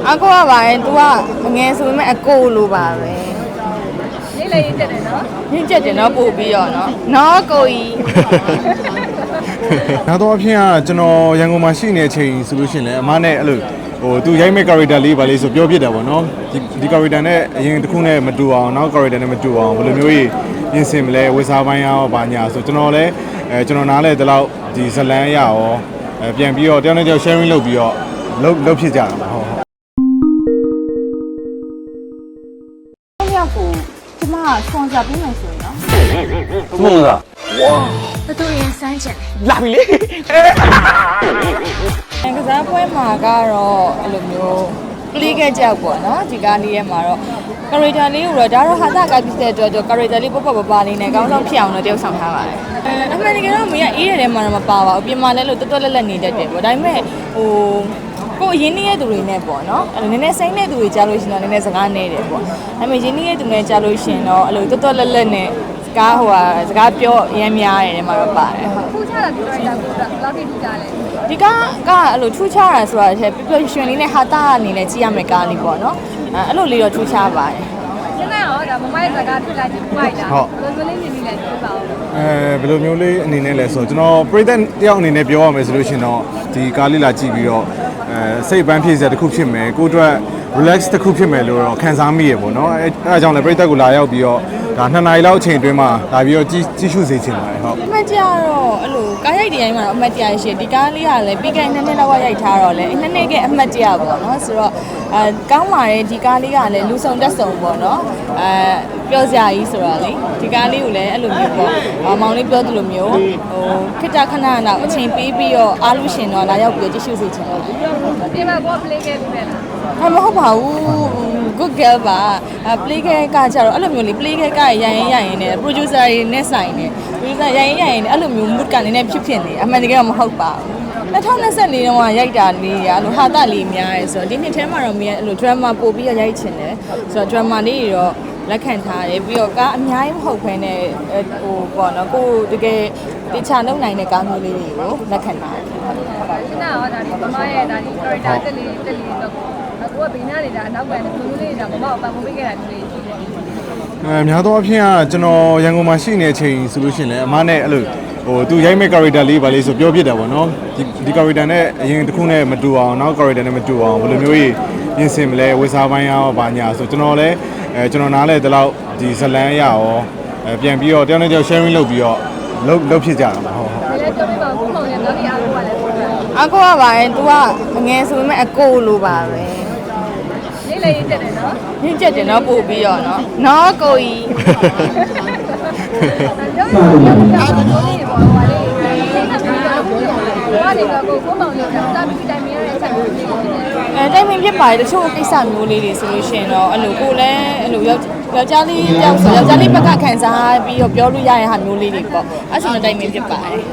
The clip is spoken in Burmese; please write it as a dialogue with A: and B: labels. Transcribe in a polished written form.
A: အကိုကပါရင် तू ကငယ်ဆိုပေမဲ့အကိုလိုပါပဲ
B: လေးလေးရင်းချက်တယ်နော်
A: ရင်းချက်တယ်နော်ပို့ပြီးတော့နော်ကိုကြီး
C: နောက်တော့အဖြစ်ကကျွန်တော်ရန်ကုန်မှာရှိနေတဲ့အချိန်ဆိုလို့ရှိရင်လည်းအမနဲ့အဲ့လိုသူရိုက်မဲ့ character လေးပါလေးဆိုပြောပြတယ်ပေါ့နော်ဒီ character နဲ့အရင်တစ်ခုနဲ့မတူအောင်နောက် character နဲ့မတူအောင်ဘယ်လိုမျိုးကြီးပြင်ဆင်မလဲဝေစားပိုင်းရောဘာညာဆိုကျွန်တော်လည်းကျွန်တော်နားလဲဒီလောက်ဒီဇလန်းရရောပြန်ပြီးတော့တယောက်နဲ့တယောက် sharing လုပ်ပြီးတော့လုပ်ဖြစ်ကြတာပါဟုတ်
A: ယောက်ကိုကျမဆွန်စားပေးမယ်ဆိုရင်နော်
C: ဆွန်စားဝါ
A: တူရင်စမ်းချင်
C: လာပြီလေ
A: ကစားပွဲမှာကတော့အဲ့လိုမျိုး play ခဲ့ကြပေါ့နော်ဒီကားလေးရဲ့မှာတော့ character လေးကိုတော့ဒါတော့ဟာသကပြတဲ့အတွက် character လေးပေါ့ပပလေးနဲ့ကောင်းဆောင်ဖြစ်အောင်တော့တယောက်ဆောင်ထားပါတယ်အမှန်တကယ်တော့မင်းကအေးရတဲ့မှာတော့မပါပါဘူးပြင်မာလဲလို့တွတ်လက်နေတတ်တယ်ပေါ့ဒါပေမဲ့ကိုအရင်နေတဲ့သူတွေနဲ့ပေါ့နော်အဲ့လိုနည်းနည်းစိမ့်တဲ့သူတွေကြားလို့ရှိရင်တော့နည်းနည်းစကားနေတယ်ပေါ့ဒါပေမဲ့ရင်းနေတဲ့သူတွေကြားလို့ရှိရင်တော့အဲ့လိုတွတ်လက်နဲ့စကားစကားပြောအရင်များတယ်မှာတော့ပါတယ်ဟုတ်
B: ထူးခြားတာပြောရတာကိုဘယ်လောက်ထိထူးခြားလဲ
A: ဒီကားအဲ့လိုထူးခြားတာဆိုတာတစ်ပြပြရွှင်လေးနဲ့ဟာတာအနေနဲ့ကြည့်ရမယ်ကားလေးပေါ့နော်အဲ့လိုလေးတော့ထူးခြားပါတယ်
B: ရှင်းလိုက်အောင်ဒါမမရဲ့စကားဖြစ်လာချင်းပိုက်တာဘယ်လိုလေးမြင်မိလဲပြောပါဦး
C: ဘယ်လိုမျိုးလေးအနေနဲ့လဲဆိုကျွန်တော်ပရိသတ်တယောက်အနေနဲ့ပြောရမယ်ဆိုလို့ရှင်တော့ဒီကားလေးလာကြည့်ပြီးတော့စိတ်ပန်းဖြည့်စရာတစ်ခုဖြစ်မယ်ကိုအတွက် relax တစ်ခုဖြစ်မယ်လို့တော့ခံစားမိရပေါ့နော်အဲဒါကြောင့်လည်းပရိသတ်ကိုလာရောက်ပြီးတော့ဒါ2နာရီလောက်အချိန်အတွင်းမှာလာပြီးတော့ကြည့်ရှုစေချင်ပါတယ်ဟုတ်
A: အမှတ်ကြတော့အဲ့လိုကားရိုက်တိုင်းမှာတော့အမှတ်ကြရရှိဒီကားလေးကလည်းပြီးခဲ့2နှစ်လောက်ကရိုက်ထားတော့လေ2နှစ်ကအမှတ်ကြပေါ့နော်ဆိုတော့ကောင်းပါတယ်ဒီကားလေးကလည်းလူဆောင်တက်ဆောင်ပေါ့နော်ပြောစရာကြီးဆိုတော့လေဒီကားလေးကိုလည်းအဲ့လိုမျိုးပေါ့မောင်လေးပြောသလိုမျိုးခစ်တာခဏတော့အချိန်ပေးပြီးတော့အားလို့ရှင်တော့လာရောက်ပြီးကြည့်ရှုစေချင်တယ်
B: ဒီမှာဘော play ခဲ့ပြီလား
A: မဟုတ်ပါဘူး good girl ပါ play ခဲ့ကကြတော့အဲ့လိုမျိုးလေ play ခဲ့ကရရင်နဲ့ producer တွေနဲ့ဆိုင်နေ producer ရရင်အဲ့လိုမျိုး mood ကနေနဲ့ဖြစ်နေအမှန်တကယ်မဟုတ်ပါဘူး2024တုန်းကရိုက်တာလေးရအဲ့လိုဟာတာလေးများရဲဆိုတော့ဒီနှစ်ထဲမှာတော့မင်းအဲ့လို drama ပို့ပြီးရိုက်ချင်တယ်ဆိုတော့ drama လေးတွေတော့လက်ခံထားတယ်ပြီးတော့ကအများကြီးမဟုတ်ဘဲနဲ့ပေါ့နော်ကိုတကယ်တခြားလုပ်နိုင်တဲ့ကားမျိုးလေးတွေကိုလက်ခံထားတယ်
B: ရှင်းတာရောဒါဒီမမရဲ့ဒါဒီ character တက်လေးတော့ကိုကဘေးနားနေတာအနောက်ကနေဘလူးလေးဒါမမကိုပံ့ပိုးပေးခဲ့တာဒီလေးရှိတယ်
C: များသောအားဖြင့်ကကျွန်တော်ရန်ကုန်မှာရှိနေတဲ့အချိန်ဆိုလို့ရှိရင်လည်းအမနဲ့အဲ့လိုသူရိုက်မဲ့ character လေးပါလေးဆိုပြောပြတယ်ပေါ့နော်ဒီ character နဲ့အရင်တစ်ခုနဲ့မတူအောင်နောက် character နဲ့မတူအောင်ဘယ်လိုမျိုးကြီးပြင်ဆင်မလဲဝေစားပိုင်းရောဘာညာဆိုကျွန်တော်လည်းကျွန်တော်နားလဲဒီလောက်ဒီဇလန်းရရောပြန်ပြီးတော့တယောက်နဲ့တယောက် sharing လုပ်ပြီးတော့လုပ်ဖြစ်ကြတာပါဟုတ်
B: ဟုတ်လည်းပြောပြပါဦးခုမောင်ရဲ့နောက်ဒီအားကိုကလည်း
A: အကိုကပါရင် तू ကငယ်ဆိုပေမဲ့အကိုလိုပါပဲ
B: လေးလေးရင်းချက်တယ်နော်
A: ရင်းချက်တယ်နော်ပို့ပြီးတော့နော်ကိုကြီး
B: ပြောရအောင်ပြောလေးပေါ့ဟိုလေးဘာလဲကိုမောင်ရဲ့စာပြီးတိုင်မရတဲ့အချက်မျိုးလေးဖြစ်တယ်
A: တိုင်ပင်ဖြစ်ပါတယ်တချို့ကိစ္စမျိုးလေးတွေဆိုလို့ရှိရင်တော့အဲ့လိုကိုလည်းအဲ့လိုယောက်ျားလေးတယောက်ဆိုယောက်ျားလေးဘက်ကခံစားပြီးတော့ပြောလို့ရတဲ့ဟာမျိုးလေးတွေပေါ့အဲ့ဆိုတော့တိုင်ပင်ဖြစ်ပါတယ်